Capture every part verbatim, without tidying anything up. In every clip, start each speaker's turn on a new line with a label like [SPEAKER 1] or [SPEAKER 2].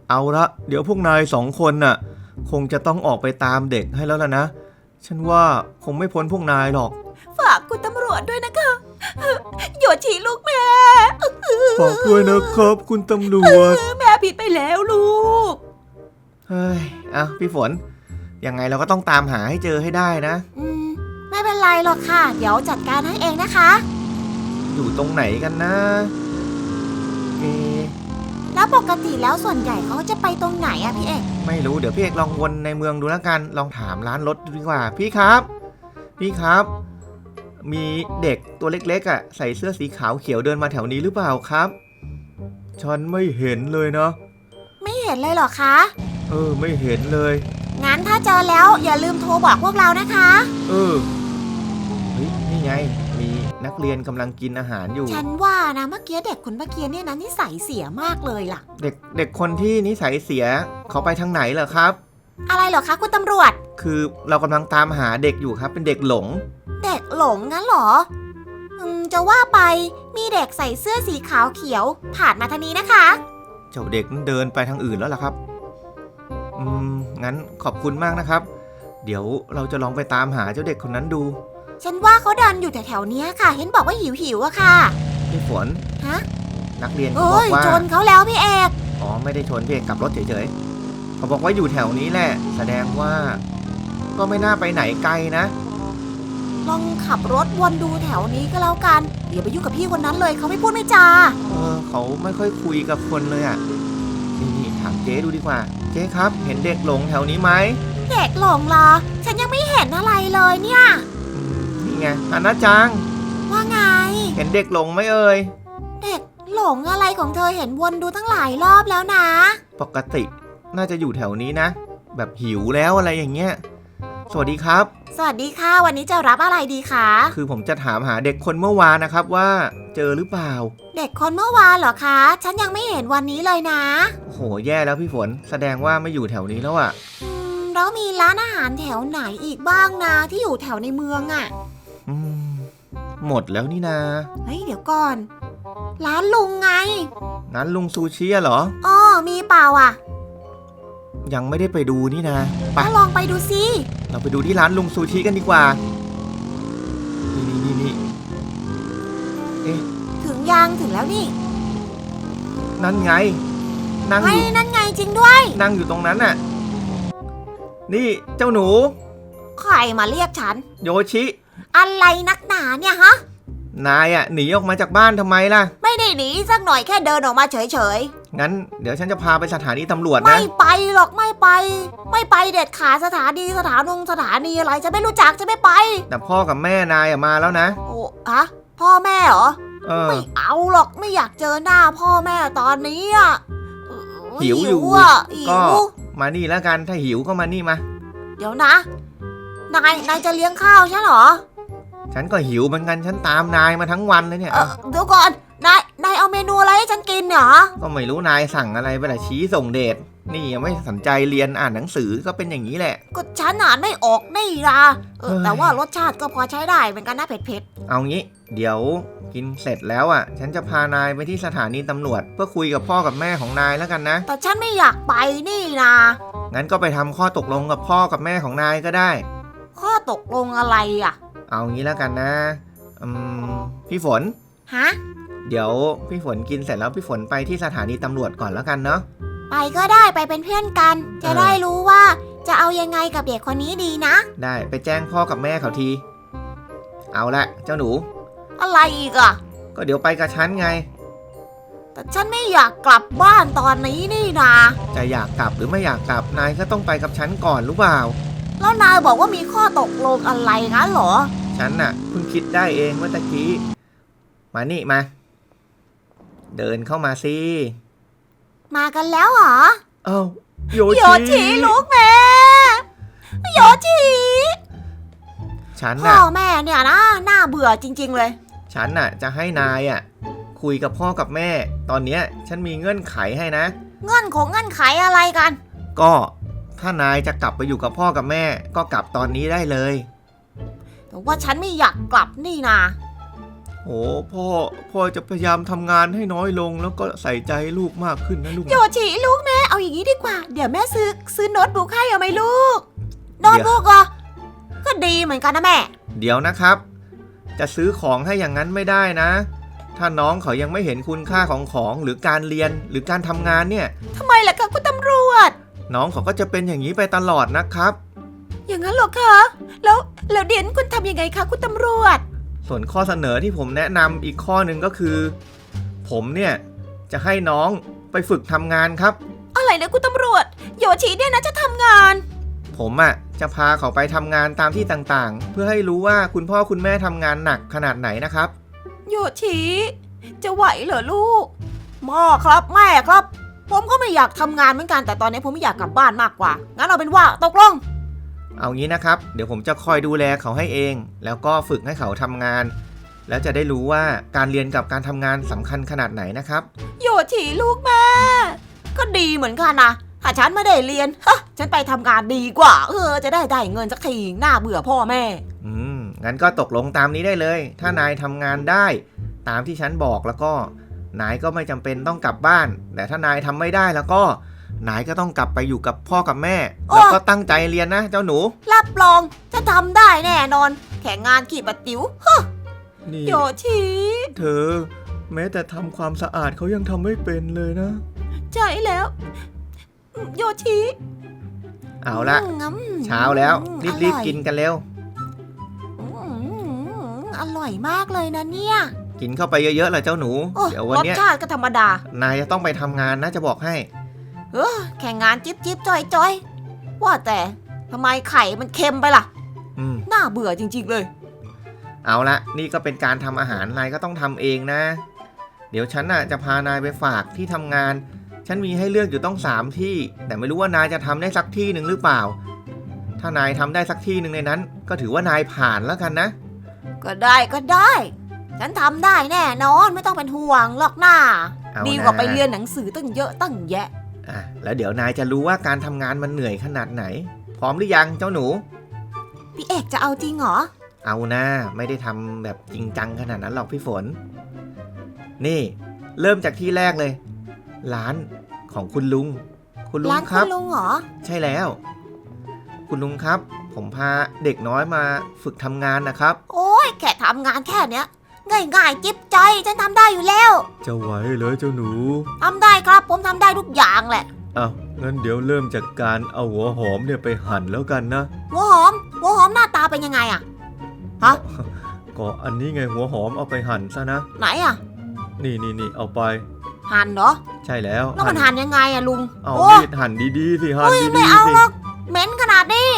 [SPEAKER 1] เอาละเดี๋ยวพวกนายสองคนน่ะคงจะต้องออกไปตามเด็กให้แล้วล่ะนะฉันว่าคงไม่พ้นพวกนายหรอก
[SPEAKER 2] ฝากคุณตำรวจด้วยนะคะโยชิลูกแม่
[SPEAKER 1] ฝากด้วยนะครับคุณตำรวจ
[SPEAKER 2] แม่ผิดไปแล้วลูก
[SPEAKER 1] เฮ้ยอ่ะพี่ฝนยังไงเราก็ต้องตามหาให้เจอให้ได้นะ
[SPEAKER 2] อืมไม่เป็นไรหรอกค่ะเดี๋ยวจัดการให้เองนะคะ
[SPEAKER 1] อยู่ตรงไหนกันนะเอ
[SPEAKER 2] แล้วปกติแล้วส่วนใหญ่เขาจะไปตรงไหนอะพี่เอก
[SPEAKER 1] ไม่รู้เดี๋ยวพี่เอกลองวนในเมืองดูแล้วกันลองถามร้านรถดูดีกว่าพี่ครับพี่ครับมีเด็กตัวเล็กๆอ่ะใส่เสื้อสีขาวเขียวเดินมาแถวนี้หรือเปล่าครับฉันไม่เห็นเลยนะ
[SPEAKER 2] ไม่เห็นเลยเหรอคะ
[SPEAKER 1] เออไม่เห็นเลย
[SPEAKER 2] งั้นถ้าเจอแล้วอย่าลืมโทรบอกพวกเรานะคะ
[SPEAKER 1] เออเฮ้ยนี่ไงมีนักเรียนกำลังกินอาหารอยู่
[SPEAKER 2] ฉันว่านะเมื่อกี้เด็กคนเมื่อกี้เนี่ยนะนิสัยเสียมากเลยล่ะ
[SPEAKER 1] เด็กเด็กคนที่นิสัยเสียเขาไปทางไหนเหรอครับ
[SPEAKER 2] อะไรเหรอคะคุณตำรวจ
[SPEAKER 1] คือเรากำลังตามหาเด็กอยู่ครับเป็นเด็กหลง
[SPEAKER 2] เด็กหลงงั้นเหรออืมจะว่าไปมีเด็กใส่เสื้อสีขาวเขียวผ่านมาทางนี้นะคะ
[SPEAKER 1] เจ้าเด็กนั้นเดินไปทางอื่นแล้วล่ะครับอืมงั้นขอบคุณมากนะครับเดี๋ยวเราจะลองไปตามหาเจ้าเด็กคนนั้นดู
[SPEAKER 2] ฉันว่าเขาเดินอยู่แถวๆนี้ค่ะเห็นบอกว่าหิวหิวอะค่ะ
[SPEAKER 1] พี่ฝน
[SPEAKER 2] ฮะ
[SPEAKER 1] นักเรียนเขาบอกว่า
[SPEAKER 2] ชนเขาแล้วพี่เอก
[SPEAKER 1] อ๋อไม่ได้ชนพี่เอกกลับรถเฉยๆเขาบอกว่าอยู่แถวนี้แหละแสดงว่าก็ไม่น่าไปไหนไกลนะ
[SPEAKER 2] ลองขับรถวนดูแถวนี้ก็แล้วกันอย่าไปยุ่งกับพี่คนนั้นเลยเขาไม่พูดไม่จา
[SPEAKER 1] เออเขาไม่ค่อยคุยกับคนเลยอ่ะนี่นี่ถามเจ๊ดูดีกว่าเจ๊ครับเห็นเด็กหลงแถวนี้ไหม
[SPEAKER 2] เด็กหลงเหรอฉันยังไม่เห็นอะไรเลยเนี่ย
[SPEAKER 1] นี่ไงอานาจัง
[SPEAKER 2] ว่าไง
[SPEAKER 1] เห็นเด็กหลงไหมเอ่ย
[SPEAKER 2] เด็กหลงอะไรของเธอเห็นวนดูตั้งหลายรอบแล้วนะ
[SPEAKER 1] ปกติน่าจะอยู่แถวนี้นะแบบหิวแล้วอะไรอย่างเงี้ยสวัสดีครับ
[SPEAKER 2] สวัสดีค่ะวันนี้จะรับอะไรดีคะ
[SPEAKER 1] คือผมจะถามหาเด็กคนเมื่อวานนะครับว่าเจอหรือเปล่า
[SPEAKER 2] เด็กคนเมื่อวานเหรอคะฉันยังไม่เห็นวันนี้เลยนะ
[SPEAKER 1] โอ้โหแย่แล้วพี่ฝนแสดงว่าไม่อยู่แถวนี้แล้วอะ
[SPEAKER 2] อืมแล้วมีร้านอาหารแถวไหนอีกบ้างนะที่อยู่แถวในเมืองอะ
[SPEAKER 1] อืมหมดแล้วนี่นา
[SPEAKER 2] เฮ้ยเดี๋ยวก่อนร้านลุงไง
[SPEAKER 1] ร้านลุงซูชิเหรอ
[SPEAKER 2] อ๋อมีเปล่าอะ
[SPEAKER 1] ยังไม่ได้ไปดูนี่นะ
[SPEAKER 2] ไปลองไปดูสิ
[SPEAKER 1] เราไปดูที่ร้านลุงซูชิกันดีกว่านี่นี่นี่เอ๊ะ
[SPEAKER 2] ถึงยังถึงแล้วนี่
[SPEAKER 1] นั่นไง
[SPEAKER 2] นั่งอยู่นั่นไงจริงด้วย
[SPEAKER 1] นั่งอยู่ตรงนั้นน่ะนี่เจ้าหนู
[SPEAKER 2] ใครมาเรียกฉัน
[SPEAKER 1] โยชิ
[SPEAKER 2] อะไรนักหนาเนี่ยฮะ
[SPEAKER 1] นายอ่ะหนีออกมาจากบ้านทำไมล่ะ
[SPEAKER 2] ไม่ได้หนีสักหน่อยแค่เดินออกมาเฉย
[SPEAKER 1] ๆงั้นเดี๋ยวฉันจะพาไปสถานีตำรวจนะ
[SPEAKER 2] ไม่ไปหรอกไม่ไปไม่ไปเด็ดขาดสถานีสถานงสถานีอะไรจะไม่รู้จักจะไม่ไป
[SPEAKER 1] แต่พ่อกับแม่นายอ่ะมาแล้วนะ
[SPEAKER 2] โอ้ฮะพ่อแม่เหรอ
[SPEAKER 1] เออ
[SPEAKER 2] ไม่เอาหรอกไม่อยากเจอหน้าพ่อแม่ตอนนี้อ่ะ
[SPEAKER 1] หิวอยู่
[SPEAKER 2] อ่ะ
[SPEAKER 1] ก็มานี่แล้วกันถ้าหิวก็มานี่มา
[SPEAKER 2] เดี๋ยวนะนายนายจะเลี้ยงข้าวใช่เหรอ
[SPEAKER 1] ฉันก็หิวเหมือนกันฉันตามนายมาทั้งวันเลยเนี่ย
[SPEAKER 2] เดี๋ยวก่อนนายนายเอาเมนูอะไรให้ฉันกินเหรอ
[SPEAKER 1] ก็ไม่รู้นายสั่งอะไรไปแต่ชี้ส่งเดชนี่ยังไม่สนใจเรียนอ่านหนังสือก็เป็นอย่างนี้แหละ
[SPEAKER 2] ก็ฉันอ่านไม่ออกนี่นะเออแต่ว่ารสชาติก็พอใช้ได้เหมือนกันนะเผ็ด
[SPEAKER 1] ๆเอางี้เดี๋ยวกินเสร็จแล้วอ่ะฉันจะพานายไปที่สถานีตำรวจเพื่อคุยกับพ่อกับแม่ของนายแล้วกันนะ
[SPEAKER 2] แต่ฉันไม่อยากไปนี่นะ
[SPEAKER 1] งั้นก็ไปทำข้อตกลงกับพ่อกับแม่ของนายก็ได้
[SPEAKER 2] ข้อตกลงอะไรอ่ะ
[SPEAKER 1] เอางี้แล้วกันนะอืมพี่ฝน
[SPEAKER 2] ฮะ
[SPEAKER 1] เดี๋ยวพี่ฝนกินเสร็จแล้วพี่ฝนไปที่สถานีตำรวจก่อนแล้วกันเนาะ
[SPEAKER 2] ไปก็ได้ไปเป็นเพื่อนกันจะได้รู้ว่าจะเอายังไงกับเด็กคนนี้ดีนะ
[SPEAKER 1] ได้ไปแจ้งพ่อกับแม่เขาทีเอาละเจ้าหนู
[SPEAKER 2] อะไรอีกอ่ะ
[SPEAKER 1] ก็เดี๋ยวไปกับฉันไง
[SPEAKER 2] แต่ฉันไม่อยากกลับบ้านตอนนี้นี่นะ
[SPEAKER 1] จะอยากกลับหรือไม่อยากกลับนายก็ต้องไปกับฉันก่อนรู้เปล่า
[SPEAKER 2] แล้วนายบอกว่ามีข้อตกลงอะไรงั้นเหรอ
[SPEAKER 1] ฉันน่ะเพิ่งคิดได้เองเมื่อตะกี้มานี่มาเดินเข้ามาสิ
[SPEAKER 2] มากันแล้วเหรอ
[SPEAKER 1] เอ้าโยชิ
[SPEAKER 2] โยชิลูกแม่โยชิ
[SPEAKER 1] ฉัน
[SPEAKER 2] น่ะพ่อแม่เนี่ยนะน่าเบื่อจริงๆเลย
[SPEAKER 1] ฉันน่ะจะให้นายอ่ะคุยกับพ่อกับแม่ตอนเนี้ยฉันมีเงื่อนไขให้นะ
[SPEAKER 2] เงื่อนของเงื่อนไขอะไรกัน
[SPEAKER 1] ก็ถ้านายจะกลับไปอยู่กับพ่อกับแม่ก็กลับตอนนี้ได้เลย
[SPEAKER 2] แต่ว่าฉันไม่อยากกลับนี่นา
[SPEAKER 1] โโอ้พ่อพ่อจะพยายามทำงานให้น้อยลงแล้วก็ใส่ใจลูกมากขึ้นนะลูก
[SPEAKER 2] โยชิลูกแม่เอาอย่างนี้ดีกว่าเดี๋ยวแม่ซื้อซื้อโน้ตบุ๊กให้เอาไหมลูกโน้ตบุ๊กเหรอก็ดีเหมือนกันนะแม่
[SPEAKER 1] เดี๋ยวนะครับจะซื้อของให้อย่างนั้นไม่ได้นะถ้าน้องเขายังไม่เห็นคุณค่าของของหรือการเรียนหรือการทำงานเนี่ย
[SPEAKER 2] ทำไมล่ะคะคุณตำรวจ
[SPEAKER 1] น้องเขาก็จะเป็นอย่างนี้ไปตลอดนะครับ
[SPEAKER 2] อย่างนั้นเหรอคะแล้วแล้วเดี๋ยวคุณทำยังไงคะคุณตำรวจ
[SPEAKER 1] ส่วนข้อเสนอที่ผมแนะนำอีกข้อหนึ่งก็คือผมเนี่ยจะให้น้องไปฝึกทำงานครับ
[SPEAKER 2] อะไรนะคุณตำรวจโยชิเนี่ยนะจะทำงาน
[SPEAKER 1] ผมอ่ะจะพาเขาไปทำงานตามที่ต่างๆเพื่อให้รู้ว่าคุณพ่อคุณแม่ทำงานหนักขนาดไหนนะครับ
[SPEAKER 2] โยชิจะไหวเหรอลูกพ่อครับแม่ครับผมก็ไม่อยากทำงานเหมือนกันแต่ตอนนี้ผมไม่อยากกลับบ้านมากกว่างั้นเอาเป็นว่าตกลง
[SPEAKER 1] เอางี้นะครับเดี๋ยวผมจะคอยดูแลเขาให้เองแล้วก็ฝึกให้เขาทำงานแล้วจะได้รู้ว่าการเรียนกับการทำงานสำคัญขนาดไหนนะครับ
[SPEAKER 2] โยชิลูกแม่ก็ดีเหมือนกันนะถ้าฉันไม่ได้เรียนฮะฉันไปทำงานดีกว่าเออจะได้ได้เงินสักทีหน้าเบื่อพ่อแม่
[SPEAKER 1] อืมงั้นก็ตกลงตามนี้ได้เลยถ้านายทำงานได้ตามที่ฉันบอกแล้วก็นายก็ไม่จำเป็นต้องกลับบ้านแต่ถ้านายทำไม่ได้แล้วก็นายก็ต้องกลับไปอยู่กับพ่อกับแม่แล้วก็ตั้งใจเรียนนะเจ้าหนู
[SPEAKER 2] รับรองจะทำได้แน่นอนแข่งงานขี่ปะติ๋วฮะโยชิ
[SPEAKER 1] เธอแม้แต่ทำความสะอาดเขายังทำไม่เป็นเลยนะ
[SPEAKER 2] ใช่แล้วโยชิ
[SPEAKER 1] เอาละเช้าแล้วรีบๆกินกันเร็ว
[SPEAKER 2] อร่อยมากเลยนะเนี่ย
[SPEAKER 1] กินเข้าไปเยอะๆเลยเจ้าหนูเดี๋ยววันนี้
[SPEAKER 2] รสชาติก็ธรรมดาน
[SPEAKER 1] ายจะต้องไปทำงานนะจะบอกให้
[SPEAKER 2] เออแข่งงานจิ๊บจิ๊บจอยจอยว่าแต่ทำไมไข่มันเค็มไปล่ะ
[SPEAKER 1] อืม
[SPEAKER 2] น่าเบื่อจริงๆเลย
[SPEAKER 1] เอาละนี่ก็เป็นการทำอาหารนายก็ต้องทำเองนะเดี๋ยวฉันน่ะจะพานายไปฝากที่ทำงานฉันมีให้เลือกอยู่ต้องสามที่แต่ไม่รู้ว่านายจะทำได้สักที่หนึ่งหรือเปล่าถ้านายทำได้สักที่หนึ่งในนั้นก็ถือว่านายผ่านแล้วกันนะ
[SPEAKER 2] ก็ได้ก็ได้ฉันทำได้แน่นอนไม่ต้องเป็นห่วงหรอกหน้าดีกว่าไปเรียนหนังสือตั้งเยอะตั้งแยะ
[SPEAKER 1] อ่ะแล้วเดี๋ยวนายจะรู้ว่าการทำงานมันเหนื่อยขนาดไหนพร้อมหรือยังเจ้าหนู
[SPEAKER 2] พี่เอกจะเอาจริงเหรอ
[SPEAKER 1] เอานะไม่ได้ทำแบบจริงจังขนาดนั้นหรอกพี่ฝนนี่เริ่มจากที่แรกเลยร้านของคุณลุงคุณลุงครับร้าน
[SPEAKER 2] คุณลุงเหรอ
[SPEAKER 1] ใช่แล้วคุณลุงครับผมพาเด็กน้อยมาฝึกทำงานนะครับ
[SPEAKER 2] โอ้ยแค่ทำงานแค่เนี้ยง่ายๆจิ๊บใจฉันทำได้อยู่แล้ว
[SPEAKER 1] จะไหวเลยเจ้าหนู
[SPEAKER 2] ทำได้ครับผมทำได้ทุกอย่างแหละ
[SPEAKER 1] อ้าวงั้นเดี๋ยวเริ่มจากการเอาหัวหอมเนี่ยไปหั่นแล้วกันนะ
[SPEAKER 2] หัวหอมหัวหอมหน้าตาเป็นยังไงอะฮะ
[SPEAKER 1] ก็อันนี้ไงหัวหอมเอาไปหั่นซะนะ
[SPEAKER 2] ไหนอะ
[SPEAKER 1] นี่นี่นี่เอาไป
[SPEAKER 2] หั่นเหรอ
[SPEAKER 1] ใช่แล้ว
[SPEAKER 2] แล้วมันหั่นยังไงอะลุง
[SPEAKER 1] เอามีดหั่นดีๆสิหั่นดีๆสิ
[SPEAKER 2] ไม่เอาหรอกเหม็นขนาดนี้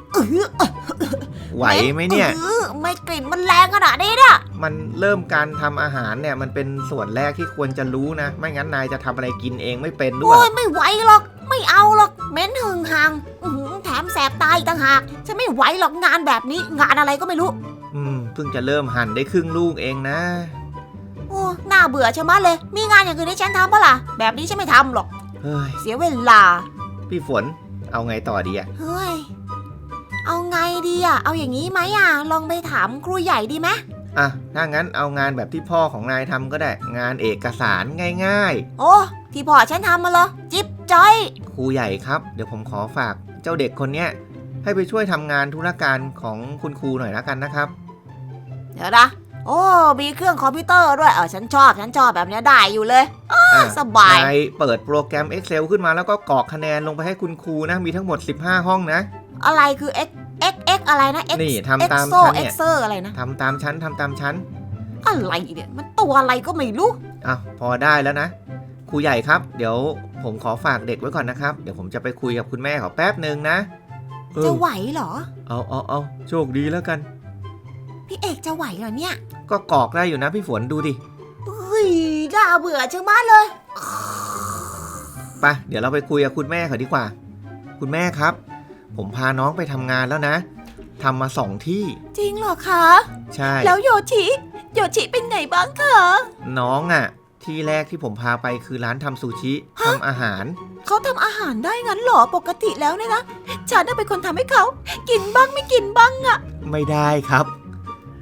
[SPEAKER 1] ไหวไหมเนี่ย
[SPEAKER 2] ไม่กลิ่นมันแรงขนาดนี้เนี่ย
[SPEAKER 1] มันเริ่มการทำอาหารเนี่ยมันเป็นส่วนแรกที่ควรจะรู้นะไม่งั้นนายจะทำอะไรกินเองไม่เป็นด้วย
[SPEAKER 2] โอ้ยไม่ไหวหรอกไม่เอาหรอกเหม็นหึงหางแถมแสบตาอีกต่างหากฉันไม่ไหวหรอกงานแบบนี้งานอะไรก็ไม่รู้
[SPEAKER 1] อืมเพิ่งจะเริ่มหั่นได้ครึ่งลูกเองนะ
[SPEAKER 2] โอ้น่าเบื่อชะมัดเลยมีงานอย่างอื่นให้ฉันทำปะล่ะแบบนี้ฉันไม่ทำหรอก
[SPEAKER 1] เฮ้ย
[SPEAKER 2] เสียเวลา
[SPEAKER 1] พี่ฝนเอาไงต่อดีอะ
[SPEAKER 2] เฮ้ยเอาไงดีอะเอาอย่างนี้ไหมอะลองไปถามครูใหญ่ดีไหม
[SPEAKER 1] อ่ะถ้างั้นเอางานแบบที่พ่อของนายทำก็ได้งานเอกสารง่าย
[SPEAKER 2] ๆโอ้ที่พ่อฉันทำมาเหรอจิ๊บจ้อย
[SPEAKER 1] ครูใหญ่ครับเดี๋ยวผมขอฝากเจ้าเด็กคนเนี้ยให้ไปช่วยทำงานธุรการของคุณครูหน่อยแล้วกันนะครับ
[SPEAKER 2] เดี๋ยวนะโอ้มีเครื่องคอมพิวเตอร์ด้วยเออฉันชอบฉันชอบแบบนี้ได้อยู่เลยสบาย
[SPEAKER 1] นายเปิดโปรแกรม Excel ขึ้นมาแล้วก็กรอกคะแนนลงไปให้คุณครูนะมีทั้งหมดสิบห้าห้องนะ
[SPEAKER 2] อะไรคือ x x x อะไรนะ x
[SPEAKER 1] นี่ทำตามชั้นเนี่ย
[SPEAKER 2] Excel อะไรนะ
[SPEAKER 1] ทำตามชั้นทำตามชั้น
[SPEAKER 2] อะไรเนี่ยมันตัวอะไรก็ไม่รู้
[SPEAKER 1] อ่ะพอได้แล้วนะครูใหญ่ครับเดี๋ยวผมขอฝากเด็กไว้ก่อนนะครับเดี๋ยวผมจะไปคุยกับคุณแม่เขาแป๊บนึงนะ
[SPEAKER 2] จะไหวเหรอ
[SPEAKER 1] เอาเอาเอาโชคดีแล้วกัน
[SPEAKER 2] พี่เอกจะไหวเหรอเนี่ย
[SPEAKER 1] ก็กรอกได้อยู่นะพี่ฝนดูดิ
[SPEAKER 2] เฮ้ยน่าเบื่อจังมากเลย
[SPEAKER 1] ไปเดี๋ยวเราไปคุยกับคุณแม่เขาดีกว่าคุณแม่ครับผมพาน้องไปทำงานแล้วนะทำมาสองที่
[SPEAKER 2] จริงเหรอคะ
[SPEAKER 1] ใช่
[SPEAKER 2] แล้วโยชิโยชิเป็นไงบ้างคะ
[SPEAKER 1] น้องอ่ะที่แรกที่ผมพาไปคือร้านทำซูชิทำอาหาร
[SPEAKER 2] เขาทำอาหารได้งั้นเหรอปกติแล้วเนี่ยนะฉันน่ะเป็นคนทำให้เขากินบ้างไม่กินบ้างอ่ะ
[SPEAKER 1] ไม่ได้ครับ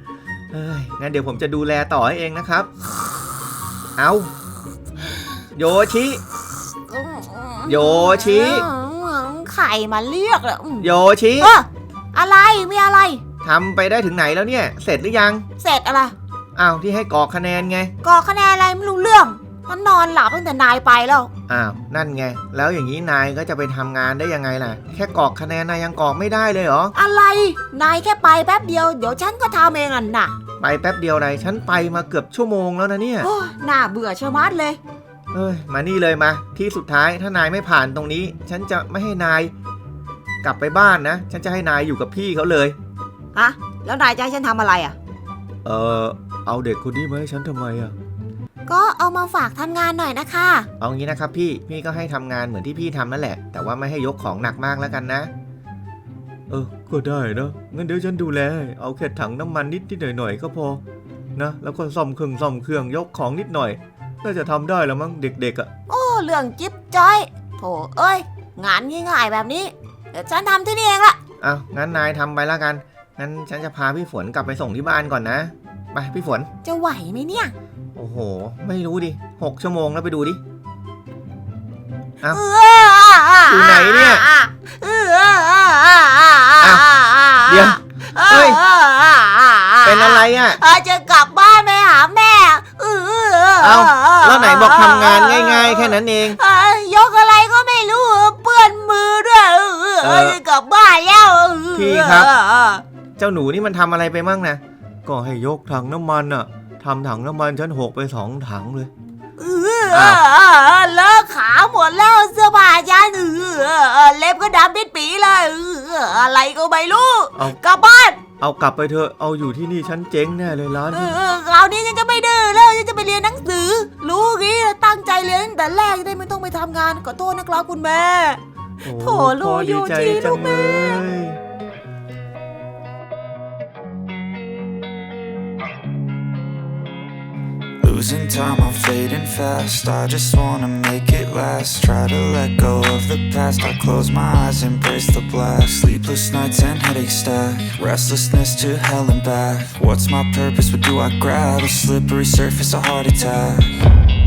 [SPEAKER 1] เอ้ยงั้นเดี๋ยวผมจะดูแลต่อให้เองนะครับ เอาโยชิ โยชิ
[SPEAKER 2] ไข่มาเรียกเหรอ
[SPEAKER 1] โยชิ
[SPEAKER 2] เอออะไรมีอะไร
[SPEAKER 1] ทำไปได้ถึงไหนแล้วเนี่ย เสร็จหรือยัง
[SPEAKER 2] เสร็จอะไร
[SPEAKER 1] อ้าวที่ให้กรอกคะแนนไง
[SPEAKER 2] กรอกคะแนนอะไรไม่รู้เรื่องมันนอนหลับตั้งแต่นายไปแล้ว
[SPEAKER 1] อ้าวนั่นไงแล้วอย่างนี้นายก็จะไปทำงานได้ยังไงล่ะแค่กรอกคะแนนนายยังกรอกไม่ได้เลยเหรอ
[SPEAKER 2] อะไรนายแค่ไปแป๊บเดียวเดี๋ยวฉันก็ทำเองอ่ะน่ะ
[SPEAKER 1] ไปแป๊บเดียวไรฉันไปมาเกือบชั่วโมงแล้วนะเนี่ย
[SPEAKER 2] โอ้น่าเบื่อชะมัดเลย
[SPEAKER 1] เอ้ยมานี่เลยมาที่สุดท้ายถ้านายไม่ผ่านตรงนี้ ฉันจะไม่ให้นายกลับไปบ้านนะฉันจะให้นายอยู่กับพี่เขาเลย
[SPEAKER 2] ฮะแล้วนายจะให้ฉันทำอะไรอ่ะ
[SPEAKER 1] เออเอาเด็กคนนี้มาให้ฉันทำไมอ่ะ
[SPEAKER 2] ก็เอามาฝากทำงานหน่อยนะคะ
[SPEAKER 1] เอางี้นะครับพี่พี่ก็ให้ทำงานเหมือนที่พี่ทำนั่นแหละแต่ว่าไม่ให้ยกของหนักมากแล้วกันนะเออก็ได้นะงั้นเดี๋ยวฉันดูแลเอาแค่ถังน้ำมันนิดนิดหน่อยหน่อยก็พอนะแล้วก็ซ่อมเครื่องซ่อมเครื่องยกของนิดหน่อยน่าจะทำได้แล้วมั้งเด็กๆอ่ะ
[SPEAKER 2] โอ้เรื่องจิ๊บจ้อยโถเอ้ยงานง่ายๆแบบนี้เดี๋ยวฉันทำที่นี่เองละ
[SPEAKER 1] เอางั้นนายทำไปแล้วกันงั้นฉันจะพาพี่ฝนกลับไปส่งที่บ้านก่อนนะไปพี่ฝน
[SPEAKER 2] จะไหวไหมเนี่ย
[SPEAKER 1] โอ้โหไม่รู้ดิหกชั่วโมงแล้วไปดูดิ เอ้า
[SPEAKER 2] เ
[SPEAKER 1] อยู่ไหนเนี่ย
[SPEAKER 2] เอ
[SPEAKER 1] เดี๋ยวเฮ้ยเป็นอะไรอ่ะ
[SPEAKER 2] จะกลับบ้านไปหาแม่
[SPEAKER 1] เอ้าแล้วไหนบอกทำงานง่ายๆแค่นั้นเอง
[SPEAKER 2] ยกอะไรก็ไม่รู้เปื้อนมือด้วยจะกลับบ้านแล้ว
[SPEAKER 1] พี่ครับ เจ้าหนูนี่มันทำอะไรไปมั่งนะก็ให้ยกถังน้ำมันอ่ะทำถังน้ำมันฉันหกไปสองถังเลย
[SPEAKER 2] เลิกขาหมดแล้วเสื้อผ้าฉันเล็บก็ดำปิดปีเลยอะไรก็ไม่รู้กลับบ้าน
[SPEAKER 1] เอากลับไปเถอะเอาอยู่ที่นี่ฉันเจ๊งแน่เลยร้านนี้
[SPEAKER 2] คราวนี้ฉันจะไม่ดื้อแล้วฉันจะไปเรียนหนังสือรู้งี้ตั้งใจเรียนตั้งแต่แรกจะได้ไม่ต้องไปทำงานขอโทษนะครับคุณแม่ โถลูกโยชิลูกแม่
[SPEAKER 3] Losing time, I'm fading fast. I just wanna make it last. Try to let go of the past. I close my eyes, embrace the blast. Sleepless nights and headaches stack. Restlessness to hell and back. What's my purpose? What do I grab? A slippery surface, a heart attack.